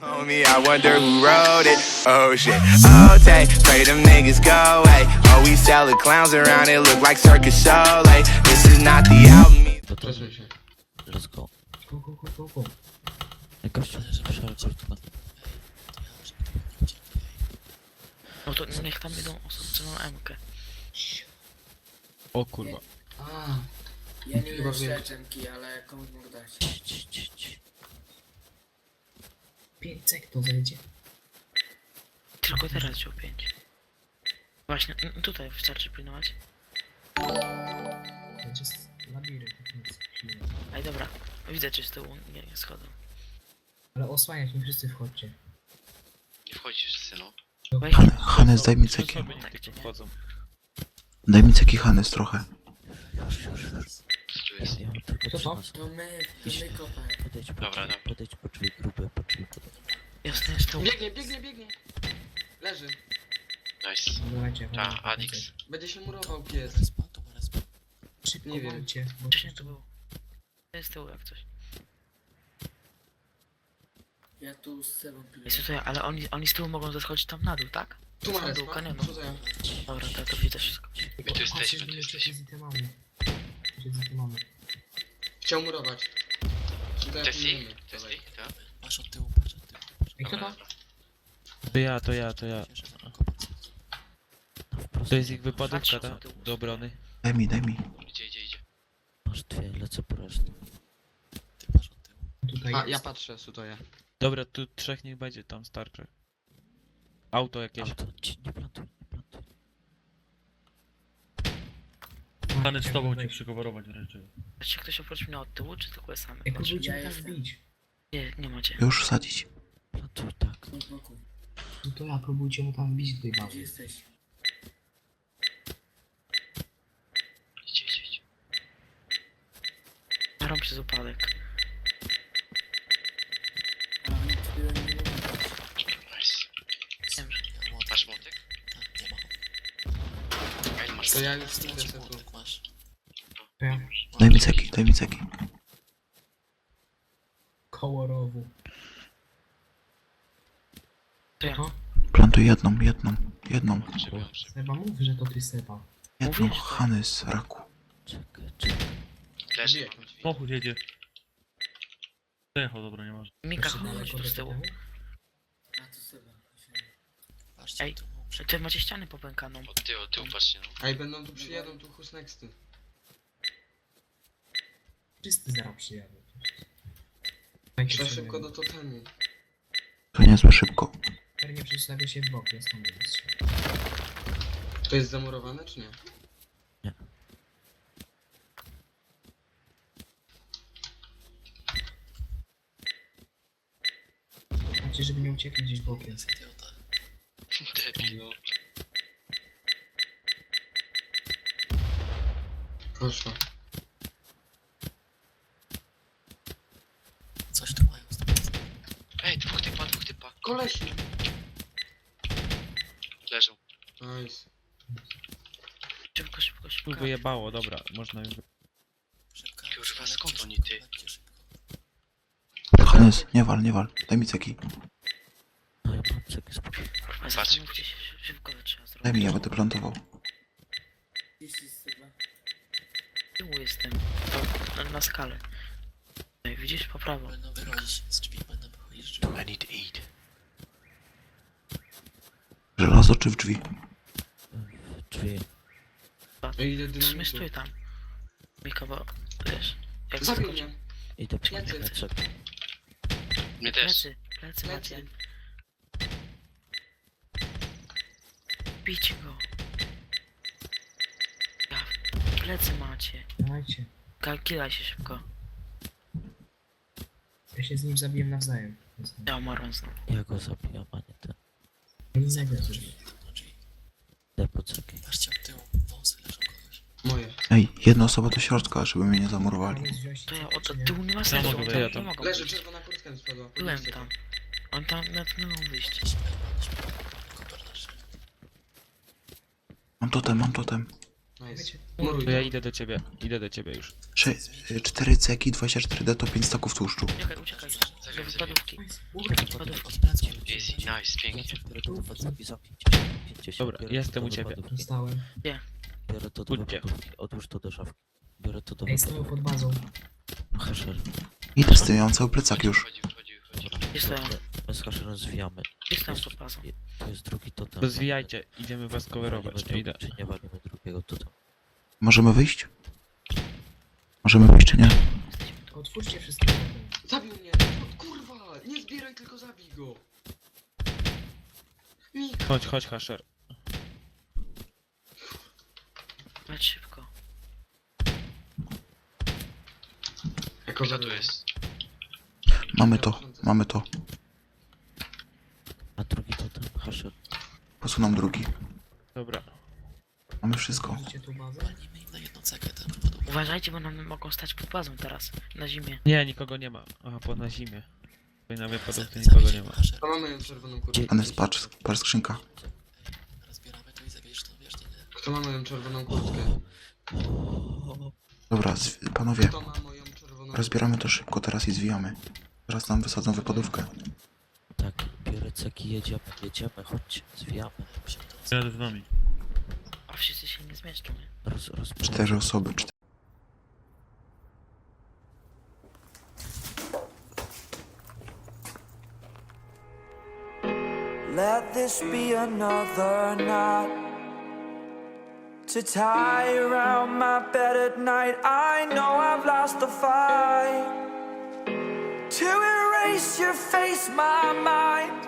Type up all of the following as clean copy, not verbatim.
Homie, I wonder who wrote it. Oh shit. Oh, take, pray them niggas go away. Oh, we sell the clowns around it, look like circus show. Like, this is not the album. Przesuń się. Let's go. Go. Gościu, przerekord. No to niech tam idą osoby, co mają MK. O kurwa. A, Ja nie Chyba wiem wiem. śledczynki, ale komuś mogę dać. 5 sek to zejdzie. Tylko teraz wziął 5. Właśnie, tutaj wystarczy pilnować. Będzie labirynt. Nic. Ej, dobra. Widzę, czy z tyłu nie schodzą. Ale osłaniać nie wszyscy wchodźcie. Nie wchodzisz, synu. Weź, Hannes, daj mi ceki. Osoby niech tylko wchodzą. Daj mi ceki, Hannes, trochę. Co tu jest? Ja mam tylko Co to? 13. To my kopę. Podejdź po Dobra, drzwi, dobra. podejdź po drzwi grube, po drzwi podejdź. jasne, jest tu. Biegnie. Leży. Nice. Dawajcie, Ta, Adix. Będzie się murował pies. Szybko Nie wiem. walcie, bo Wcześniej to było. To jest z tyłu jak coś. Ja tu z Sebą piję. Jest tutaj, ale oni z tyłu mogą zeskoczyć tam na dół, tak? Tu Na ma dół respa. kanionu. Co to ja? Dobra, to widzę wszystko. My tu jesteśmy, tu jesteśmy. Chciał murować. Tessie? Tessie? Tak? Masz od tyłu, patrz od tyłu. Ej, kto Dobra, to? dobra. To ja. No wprost. To jest ich wypadówka, Patrzę, tak? co tyłu. Do obrony. Daj mi. Idzie. Masz dwie, lecę po resztę. Tutaj A, jest. ja patrzę, sutoję. Dobra, tu trzech niech będzie, tam starczy. Auto jakieś. Auto, nie plantuj. Stany z tobą cię przykowarować wręcz. Czy ktoś oprócz mnie od tyłu, czy tylko sam? Ej, próbujcie Ja mnie tam jestem. wbić. Nie macie. Już sadzić. Plantuj, tak. Z boku. No to ja, próbujcie mu tam wbić do tej Gdzie bazy. jesteś? Idź. Staram przez upadek. A, nie byłem nie wiem. Nice. Wiem, że... Masz młotek? Ej, masz To ja już młotek. idę se tu. To ja. Daj mi ceki. Koło rowu. To ja. To? Plantuj jedną. Przebiłem. Seba, mów, że to ty Seba. Jedną, Mówię, że to- Hannes, raku. Czekaj. Leży, mam drzwi. Samochód jedzie. Przejechał, dobra, nie masz. Mika, Jeszcze chodź daleko tu do z tyłu. temu? A, to Seba. Ej, ty macie ścianę popękaną. Od tyłu, patrzcie, no. Ej, będą tu przyjadą, tu who's nexty. Wszyscy zaraz przyjadą. Dajcie Trzeba sobie. szybko do totemu. To niezłe szybko. Pewnie przedstawia się w bok, ja stąd będę strzelał. To jest zamurowane, czy nie? Znaczy, żeby nie uciekli gdzieś bokiem. Debil, no. Poszło. Coś tu mają. Ej, dwóch typa. Kolesi! Leżą. Nice. Szybko. Tu wyjebało, dobra, można już... Kurwa, skąd oni, ty? Hannes, nie wal. Daj mi ceki. No ja mam ceki spokojnie. Kurwa, Patrz, zastanówcie się, szybko to trzeba zrobić. Daj mi, ja będę plantował. Gdzie jesteś Seba? Z tyłu jestem. Na skalę. Ej, widzisz? Po prawo. Będą wychodzić z drzwi, I need to eat. Żelazo czy w drzwi? Drzwi. Ej, ile Trzymaj dynamitu. stój tam. Mika, bo wiesz... Jak Zabił skoczy- mnie. Idę po Plecy. plecak. Mnie też. Plecy macie. Bijcie go. Ja, plecy macie. Dajcie. Kilaj się szybko. Ja się z nim zabiłem nawzajem. Ja umarłem znowu. Ja go zabijam, a nie ten. Innego coś. Idę po ceki. Moje. Ej, jedna osoba do środka, żeby mnie nie zamurowali. To ja od tyłu nie ma sensu. mogę on wyjść, ja tam tam. nie mogą Leży, wyjść. czerwona kurtka mi spadła. Byłem Podnieście tam. to. On tam nawet nie mogą wyjść. Mam totem. Nice. Nice. Wiecie, Muruj To ja to. idę do ciebie już. 4 ceki, 24D to 5 staków tłuszczu. Uciekaj, uciekaj. Do wypadówki. Wypadówki. Easy, nice, pięknie. Dobra, jestem u ciebie. dostałem. Biorę to do Pójdźcie. wypadówki. Odłóż to do szafki. Biorę to do Ej, stoją wypadówki. pod bazą. Hasher. Idę z tym, ja mam cały plecak już. Wchodzi. Jestem. My z Hasherem zwijamy. Jestem pod bazą. To jest drugi totem. To zwijajcie, idziemy was coverować. Ja idę. Czy nie walimy drugiego totem? Możemy wyjść? Możemy wyjść czy nie? Otwórzcie wszystkie okna. Zabił mnie! O, kurwa! Nie zbieraj, tylko zabij go! Mik! Chodź, Hasher. Leć szybko. Jako Kto tu jest? Mamy to. A drugi totem? Hasher. Posunam drugi. Dobra. Mamy wszystko. Widzicie tu bazę? Walimy im na jedną cekę tę. Uważajcie, bo nam mogą stać pod bazą teraz. Na zimie. Nie, nikogo nie ma. Aha, na zimie. Tutaj na wypadówce nikogo nie ma. To mamy ją czerwoną kurtkę. Anes, patrz skrzynka. Rozbieramy to i zabierzesz to, wiesz, to nie. Kto ma moją czerwoną kurtkę? Dobra, panowie, Kto ma moją czerwoną rozbieramy to szybko teraz i zwijamy. Teraz nam wysadzą wypadówkę. Tak, biorę ceki, jedziemy, chodźcie, zwijamy. Jadę z nami. A wszyscy się nie zmieszczą, nie? 4 osoby. Let this be another knot to tie around my bed at night. I know I've lost the fight to erase your face, my mind.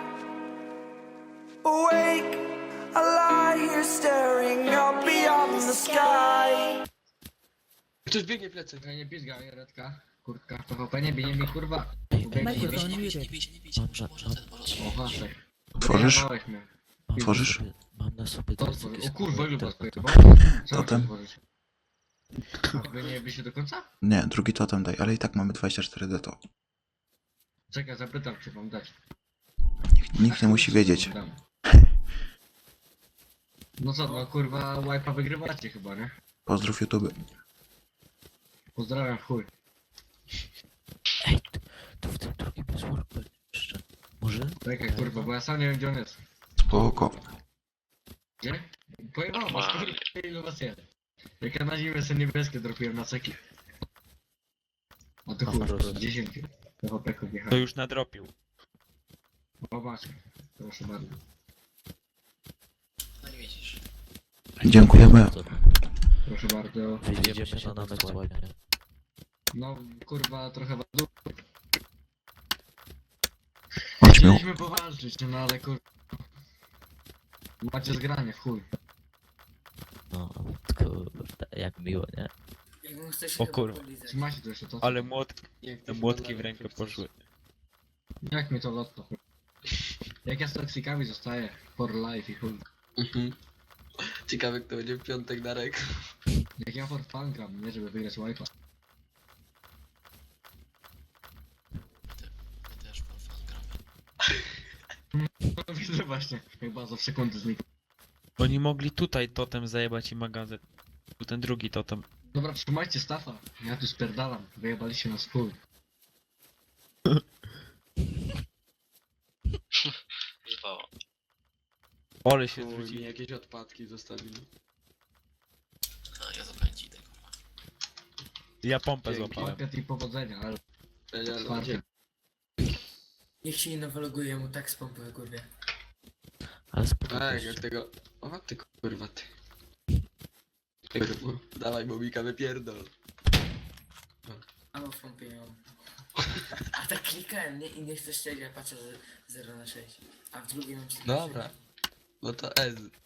Awake, I lie here staring up beyond the sky. Ktoś biegnie plecy. Ja nie pizga, Redka. Kurtka, PvP nie bij mnie, kurwa. Ej, Ubiegnie, nie bij. O, Hasek. Otworzysz? Wyjebałeś mnie. Otworzysz? Mam na sobie To dwie otworzy. ceki O kurwa, ile was totem. pojebało? Co Totem. masz otworzyć? A wy nie byście do końca? Nie, drugi totem daj, ale i tak mamy 24D to. Czekaj, zapytam, czy wam dać. Nikt nie musi wiedzieć. Dam. No co, no kurwa, wipe'a wygrywacie chyba, nie? Pozdrów YouTube. Pozdrawiam, chuj. Ej, to w tym drugim jest workbench jeszcze. Może? Czekaj, kurwa, bo ja sam nie wiem, gdzie on jest. Spoko. Gdzie? Pojebało was, kurwa, ilu was jest. Jak ja na zimę sobie niebieskie dropiłem na ceki. A to chuj, Dobra. 10 PvP-ków To wjechałem. już nadropił. O, masz. Proszę bardzo. Dziękujemy. Proszę bardzo. Wyjdziemy się na next wipe, nie? No, kurwa, trochę was du- Ośmiu. Chcieliśmy powalczyć, no ale kurwa. Macie zgranie, w chuj. No, kurde, jak miło, nie? Jakbym chce się O chyba kurwa. polizać. Trzymajcie to jeszcze to. Ale Jak ty młotki się w rękę chcesz. poszły. Jak mi to lotto, chuj. Jak ja z toksykami zostaję for life i chuj. Mhm. Ciekawe kto będzie w piątek na rek. Jak ja for fun gram, nie żeby wygrać wipe'a. No widzę właśnie, jak bardzo w sekundę znikł. Oni mogli tutaj totem zajebać i magazyn. Tu ten drugi totem. Dobra, trzymajcie stafa. Ja tu spierdalam. Wyjebaliście nas w chuj. Zwało. Ole się Chuj, mi zwrócili. jakieś odpadki zostawili. Ja pompę Dzięki. złapałem. Pakiet i powodzenia, ale Ja otwarcie. Niech się nie nawaloguje mu tak z pompy, kurwa. Ale Tak, spokojnie. jak tego... O ty kurwa ty. Kurwa, dawaj Bobika wypierdol. A w pompie ją. A tak klikałem, nie? I nie chcę strzelić, ja patrzę, że 0 na 6. A w drugim mam 4 Dobra. No to Ez.